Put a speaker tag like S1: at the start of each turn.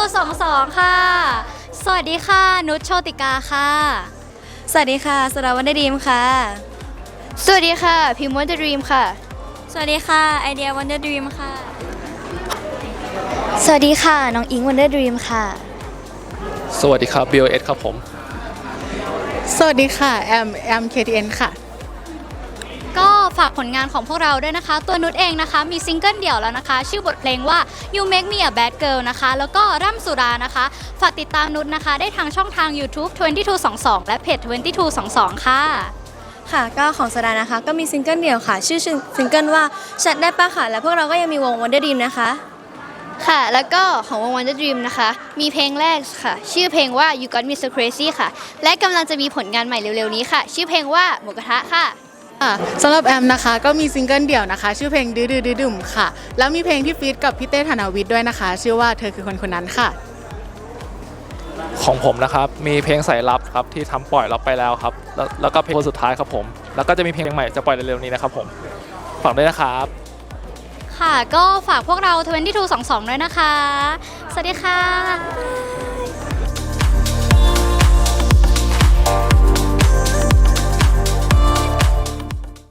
S1: 22ค่ะสวัสดีค่ะนุชโชติกาค่ะ
S2: สวัสดีค่ะสราวันดีมค่ะ
S1: สวัสดีค่ะพิมพ์วันเดอร์ดรีมค่ะ
S2: สวัสดีค่ะไอเดียวันเดอร์ดรีมค่ะ
S1: สวัสดีค่ะน้องอิงวันเดอร์ดรีมค่ะ
S3: สวัสดีครับ BOS ครับผม
S4: สวัสดีค่ะแอม KTN ค่ะ
S1: ก็ฝากผลงานของพวกเราด้วยนะคะตัวนุชเองนะคะมีซิงเกิลเดี่ยวแล้วนะคะชื่อบทเพลงว่า You Make Me a Bad Girl นะคะแล้วก็ร่ำสุรานะคะฝากติดตามนุชนะคะได้ทางช่องทาง YouTube 2222 และเพจ2222 ค่ะ
S2: ค่ะก็ของสดานะคะก็มีซิงเกิลเดี่ยวค่ะชื่อซิงเกิลว่าชัดได้ปะค่ะและพวกเราก็ยังมีวงวันเดอร์ดรีมนะคะ
S1: ค่ะแล้วก็ของวง Wonder Dream นะคะมีเพลงแรกค่ะชื่อเพลงว่า You Got Me So Crazy ค่ะและกำลังจะมีผลงานใหม่เร็วๆนี้ค่ะชื่อเพลงว่าหมูกระทะค่ะ
S4: สำหรับแอมนะคะก็มีซิงเกิลเดี่ยวนะคะชื่อเพลงดื้อดื้อดื้อดุ่มค่ะแล้วมีเพลงที่ฟีดกับพี่เต้ธนาวิทย์ด้วยนะคะชื่อว่าเธอคือคนคนนั้นค่ะ
S3: ของผมนะครับมีเพลงสายลับครับที่ทำปล่อยรับไปแล้วครับแล้วก็เพลงสุดท้ายครับผมแล้วก็จะมีเพลงใหม่จะปล่อยเร็วๆนี้นะครับผมฝากด้วยนะครับ
S1: ค่ะก็ฝากพวกเรา2222ด้วยนะคะสวัสดีค่ะ